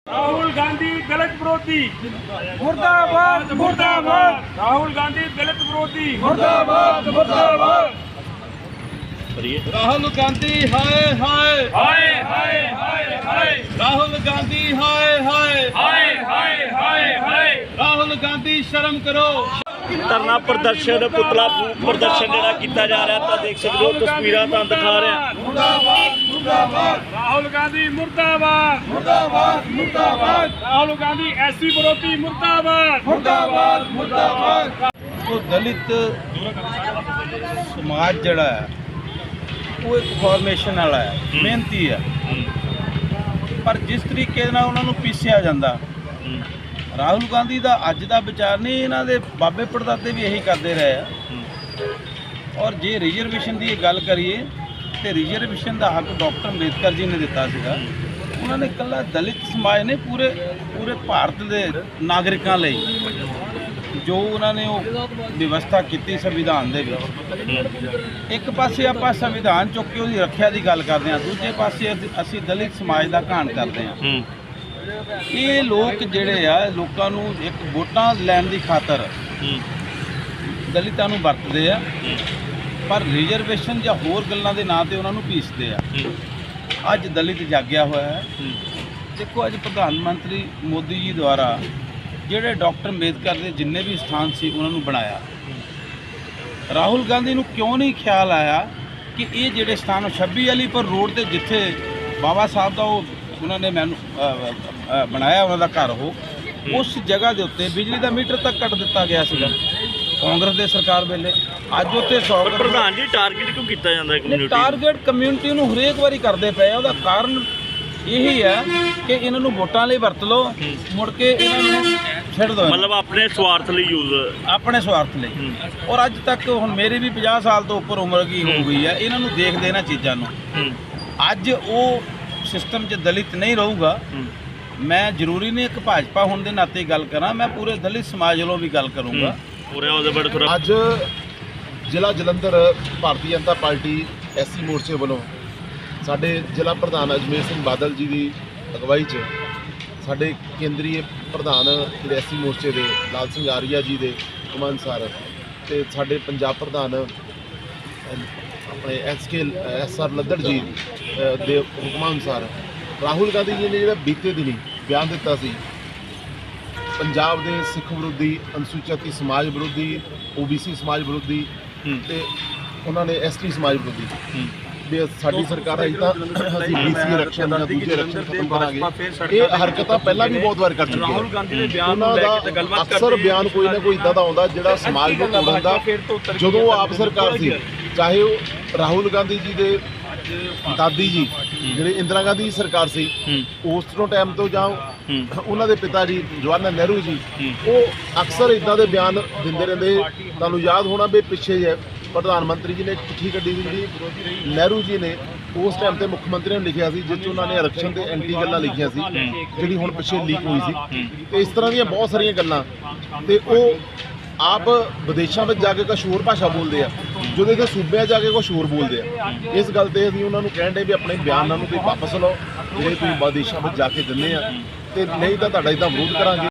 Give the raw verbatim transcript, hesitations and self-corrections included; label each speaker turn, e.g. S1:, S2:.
S1: राहुल गांधी दलित विरोधी मुर्दाबाद मुर्दाबाद। राहुल गांधी दलित विरोधी मुर्दाबाद मुर्दाबाद।
S2: राहुल गांधी हाय हाय
S1: हाय हाय हाय हाय
S2: राहुल गांधी हाय हाय
S1: हाय हाय हाय हाय।
S2: राहुल गांधी शर्म करो।
S3: ਧਰਨਾ ਪ੍ਰਦਰਸ਼ਨ ਪੁਤਲਾ ਫੂਕ ਪ੍ਰਦਰਸ਼ਨ ਜਿਹੜਾ ਕੀਤਾ ਜਾ ਰਿਹਾ ਤਾਂ ਦੇਖ ਸਕਦੇ ਹੋ ਤਸਵੀਰਾਂ ਤਾਂ ਦਿਖਾ ਰਿਹਾ।
S1: मुर्दाबाद मुर्दाबाद। राहुल गांधी मुर्दाबाद मुर्दाबाद मुर्दाबाद। राहुल गांधी ऐसी विरोधी मुर्दाबाद मुर्दाबाद मुर्दाबाद।
S2: तो दलित समाज जड़ा है वो एक फॉर्मेशन वाला है, मेहनती है, पर जिस तरीके नाल उन्हां नूं पीसिया जांदा राहुल गांधी का अज का विचार नहीं, इन्हां दे बाबे पड़दादे भी यही करते रहे हैं। और जे रिजर्वेशन की गल करिए तो रिजर्वेशन का हक डॉक्टर अंबेडकर जी ने दिता सीगा। उन्होंने कला दलित समाज ने पूरे पूरे भारत के नागरिकों लई जो उन्होंने वो व्यवस्था की संविधान दे विच। एक पासे आपां संविधान चुक के उसकी रक्षा की गल करते हैं, दूजे पासे असी दलित समाज का घाण करते हैं। ये लोग जिहड़े आ लोकां नूं एक वोटां लैण दी खातर दलितां नूं वरतदे आ, पर रिजर्वेशन या होर गल्लां दे नां ते उन्हां नूं पीसदे आ। अज दलित जाग्या होया है। देखो अज प्रधानमंत्री मोदी जी द्वारा जिहड़े डॉक्टर अंबेडकर के जिन्ने भी स्थान से उन्होंने बनाया, राहुल गांधी नूं क्यों नहीं ख्याल आया कि ये जिहड़े स्थान छब्बी अलीपुर रोड ते जिथे बाबा साहब का उन्होंने मैनू बनाया उन्होंने घर हो, उस जगह के उत्ते बिजली का मीटर तक कट दिता गया सीगा कांग्रेस के सरकार वेले। अज उत्ते सौ
S3: ਪ੍ਰਧਾਨ ਜੀ ਟਾਰਗੇਟ ਕਿਉਂ ਕੀਤਾ ਜਾਂਦਾ ਹੈ ਕਮਿਊਨਿਟੀ?
S2: टारगेट कम्यूनिटी नूं हरेक वारी करते पे, ਉਹਦਾ ਕਾਰਨ यही है कि इन्हों वोटां लई वरत लो, मुड़ के इन्हों छिड़ दो,
S3: ਮਤਲਬ ਆਪਣੇ ਸਵਾਰਥ ਲਈ ਯੂਜ਼।
S2: अपने स्वार्थ लई। और अज तक हुण मेरी भी पचास साल तो उपर उम्र की हो गई है, इन्हों देखते इन्हां चीज़ां नूं। अज वो सिस्टम च दलित नहीं रहूगा। मैं जरूरी नहीं एक भाजपा होने के नाते गल करा, मैं पूरे दलित समाज वालों भी गल करूँगा।
S3: ਪੂਰੇ ਉਹਦੇ ਬੜੇ ਥੋੜਾ
S4: ਅੱਜ ਜ਼ਿਲ੍ਹਾ ਜਲੰਧਰ ਭਾਰਤੀ ਜਨਤਾ ਪਾਰਟੀ ਐਸਸੀ ਮੋਰਚੇ ਵੱਲੋਂ ਸਾਡੇ ਜ਼ਿਲ੍ਹਾ ਪ੍ਰਧਾਨ ਅਜਮੇਰ ਸਿੰਘ ਬਾਦਲ ਜੀ ਦੀ ਅਗਵਾਈ 'ਚ ਸਾਡੇ ਕੇਂਦਰੀ ਪ੍ਰਧਾਨ ਜਿਹੜੇ ਐਸਸੀ ਮੋਰਚੇ ਦੇ ਲਾਲ ਸਿੰਘ ਆਰੀਆ ਜੀ ਦੇ ਹੁਕਮ ਅਨੁਸਾਰ ਤੇ ਸਾਡੇ ਪੰਜਾਬ ਪ੍ਰਧਾਨ ਆਪਣੇ S K S R Laddar ji ਦੇ ਹੁਕਮ ਅਨੁਸਾਰ ਰਾਹੁਲ ਗਾਂਧੀ ਜੀ ਨੇ ਜਿਹੜਾ ਬੀਤੇ ਦਿਨੀ ਬਿਆਨ ਦਿੱਤਾ ਸੀ ਪੰਜਾਬ ਦੇ ਸਿੱਖ ਵਿਰੋਧੀ, ਅਨੁਸੂਚਿਤ ਸਮਾਜ ਵਿਰੋਧੀ, ਓਬੀਸੀ ਸਮਾਜ ਵਿਰੋਧੀ ਤੇ ਉਹਨਾਂ ਨੇ ਐਸਟੀ ਸਮਾਜ ਵਿਰੋਧੀ ਵੀ ਸਾਡੀ ਸਰਕਾਰ ਆਈ ਤਾਂ ਅਸੀਂ ਬੀਸੀ ਆਰਕਸ਼ਣ ਜਾਂ ਦੂਜੇ ਆਰਕਸ਼ਣ ਖਤਮ ਕਰਾਂਗੇ। ਇਹ ਹਰਕਤਾਂ ਪਹਿਲਾਂ ਵੀ ਬਹੁਤ ਵਾਰ ਕਰ ਚੁੱਕੇ
S3: ਰਾਹੁਲ ਗਾਂਧੀ ਦੇ ਬਿਆਨ
S4: ਉਹਨਾਂ
S3: ਨੂੰ ਲੈ
S4: ਦਾ
S3: ਕੇ ਗੱਲਬਾਤ ਕਰਦੇ
S4: ਅਕਸਰ ਬਿਆਨ ਕੋਈ ਨਾ ਕੋਈ ਇਦਾਂ ਦਾ ਆਉਂਦਾ ਜਿਹੜਾ ਸਮਾਜ ਨੂੰ ਤੋੜਨ ਦਾ। ਜਦੋਂ ਆਪ ਸਰਕਾਰ ਸੀ, ਚਾਹੇ ਉਹ ਰਾਹੁਲ ਗਾਂਧੀ ਜੀ ਦੇ ਦਾਦੀ ਜੀ ਜਿਹੜੇ ਇੰਦਰਾ ਗਾਂਧੀ ਦੀ ਸਰਕਾਰ ਸੀ ਉਸ ਤੋਂ ਟਾਈਮ ਤੋਂ ਜਾਂ ਉਹਨਾਂ ਦੇ ਪਿਤਾ ਜੀ ਜਵਾਹਰ ਲਾਲ ਨਹਿਰੂ ਜੀ, ਉਹ ਅਕਸਰ ਇਦਾਂ ਦੇ ਬਿਆਨ ਦਿੰਦੇ ਰਹਿੰਦੇ। ਤੁਹਾਨੂੰ ਯਾਦ ਹੋਣਾ ਵੀ ਪਿੱਛੇ ਜੇ ਪ੍ਰਧਾਨ ਮੰਤਰੀ ਜੀ ਨੇ ਚਿੱਠੀ ਕੱਢੀ ਸੀ ਜਿਹੜੀ ਨਹਿਰੂ ਜੀ ਨੇ ਉਸ ਟਾਈਮ ਤੇ ਮੁੱਖ ਮੰਤਰੀ ਨੂੰ ਲਿਖਿਆ ਸੀ, ਜਿਸ 'ਚ ਉਹਨਾਂ ਨੇ ਆਰਕਸ਼ਣ ਦੇ ਐਂਟੀ ਗੱਲਾਂ ਲਿਖੀਆਂ ਸੀ, ਜਿਹੜੀ ਹੁਣ ਪਿੱਛੇ ਲੀਕ ਹੋਈ ਸੀ। ਤੇ ਇਸ ਤਰ੍ਹਾਂ ਦੀਆਂ ਬਹੁਤ ਸਾਰੀਆਂ ਗੱਲਾਂ ਤੇ ਉਹ ਆਪ ਵਿਦੇਸ਼ਾਂ ਵਿੱਚ ਜਾ ਕੇ ਕੁਛ ਹੋਰ ਭਾਸ਼ਾ ਬੋਲਦੇ ਆ, ਜਦੋਂ ਇੱਥੇ ਸੂਬਿਆਂ ਜਾ ਕੇ ਕੁਛ ਹੋਰ ਬੋਲਦੇ ਆ। ਇਸ ਗੱਲ ਤੇ ਅਸੀਂ ਉਹਨਾਂ ਨੂੰ ਕਹਿਣ ਦੇ ਵੀ ਆਪਣੇ ਬਿਆਨਾਂ ਨੂੰ ਤੁਸੀਂ ਵਾਪਸ ਲਓ ਜਿਹੜੇ ਤੁਸੀਂ ਵਿਦੇਸ਼ਾਂ ਵਿੱਚ ਜਾ ਕੇ ਦਿੰਦੇ ਆ, ਤੇ ਨਹੀਂ ਤਾਂ ਤੁਹਾਡਾ ਇੱਦਾਂ ਵਿਰੋਧ ਕਰਾਂਗੇ।